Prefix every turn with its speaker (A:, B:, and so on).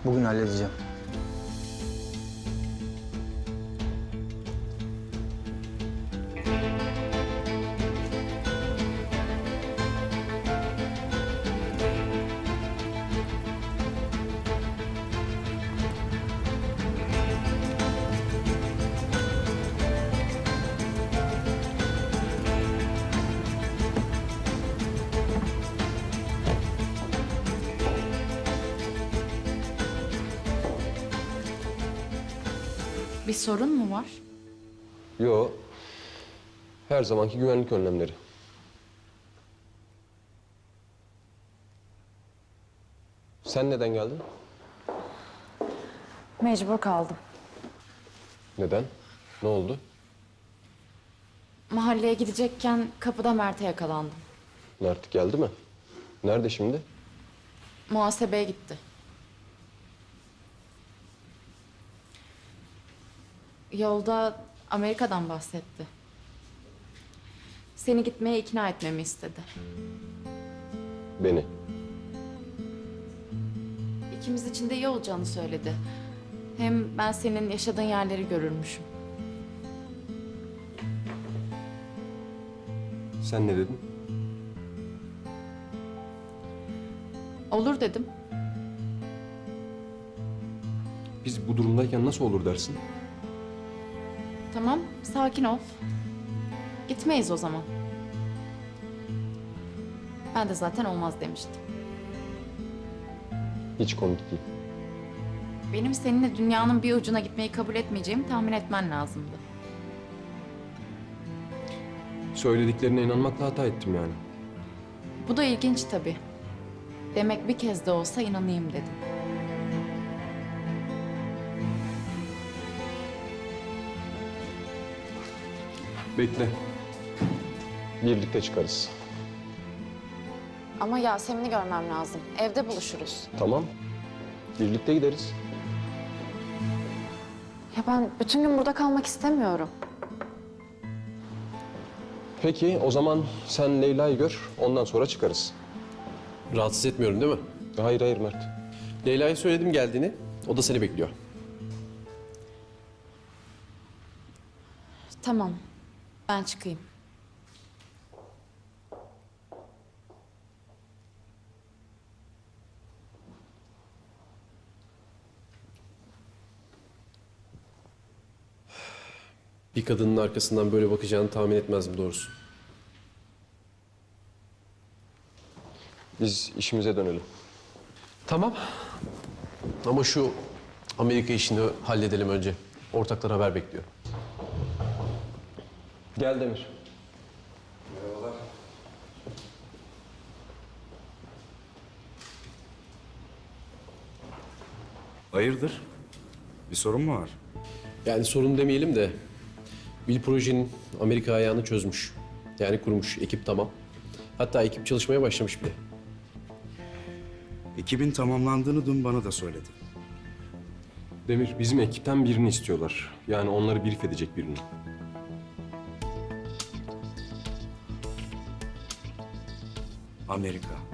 A: Bugün halledeceğim.
B: Bir sorun mu var?
C: Yo. Her zamanki güvenlik önlemleri. Sen neden geldin?
B: Mecbur kaldım.
C: Neden? Ne oldu?
B: Mahalleye gidecekken kapıda Mert'e yakalandım.
C: Mert geldi mi? Nerede şimdi?
B: Muhasebeye gitti. Yolda Amerika'dan bahsetti. Seni gitmeye ikna etmemi istedi.
C: Beni.
B: İkimiz için de iyi olacağını söyledi. Hem ben senin yaşadığın yerleri görürmüşüm.
C: Sen ne dedin?
B: Olur dedim.
C: Biz bu durumdayken nasıl olur dersin?
B: Tamam, sakin ol. Gitmeyiz o zaman. Ben de zaten olmaz demiştim.
C: Hiç komik değil.
B: Benim seninle dünyanın bir ucuna gitmeyi kabul etmeyeceğimi tahmin etmen lazımdı.
C: Söylediklerine inanmakla hata ettim yani.
B: Bu da ilginç tabii. Demek bir kez de olsa inanayım dedim.
C: Bekle. Birlikte çıkarız.
B: Ama Yasemin'i görmem lazım. Evde buluşuruz.
C: Tamam. Birlikte gideriz.
B: Ya ben bütün gün burada kalmak istemiyorum.
C: Peki o zaman sen Leyla'yı gör, ondan sonra çıkarız.
D: Rahatsız etmiyorum değil mi?
C: Hayır hayır Mert.
D: Leyla'ya söyledim geldiğini. O da seni bekliyor.
B: Tamam. Ben çıkayım.
D: Bir kadının arkasından böyle bakacağını tahmin etmezdim doğrusu.
C: Biz işimize dönelim.
D: Tamam. Ama şu Amerika işini halledelim önce. Ortaklar haber bekliyor.
C: Gel Demir.
E: Hayırdır? Bir sorun mu var?
D: Yani sorun demeyelim de Bill projenin Amerika ayağını çözmüş. Yani kurmuş. Ekip tamam. Hatta ekip çalışmaya başlamış bile.
E: Ekibin tamamlandığını dün bana da söyledi.
C: Demir, bizim ekipten birini istiyorlar. Yani onları brief edecek birini.
E: Amerika.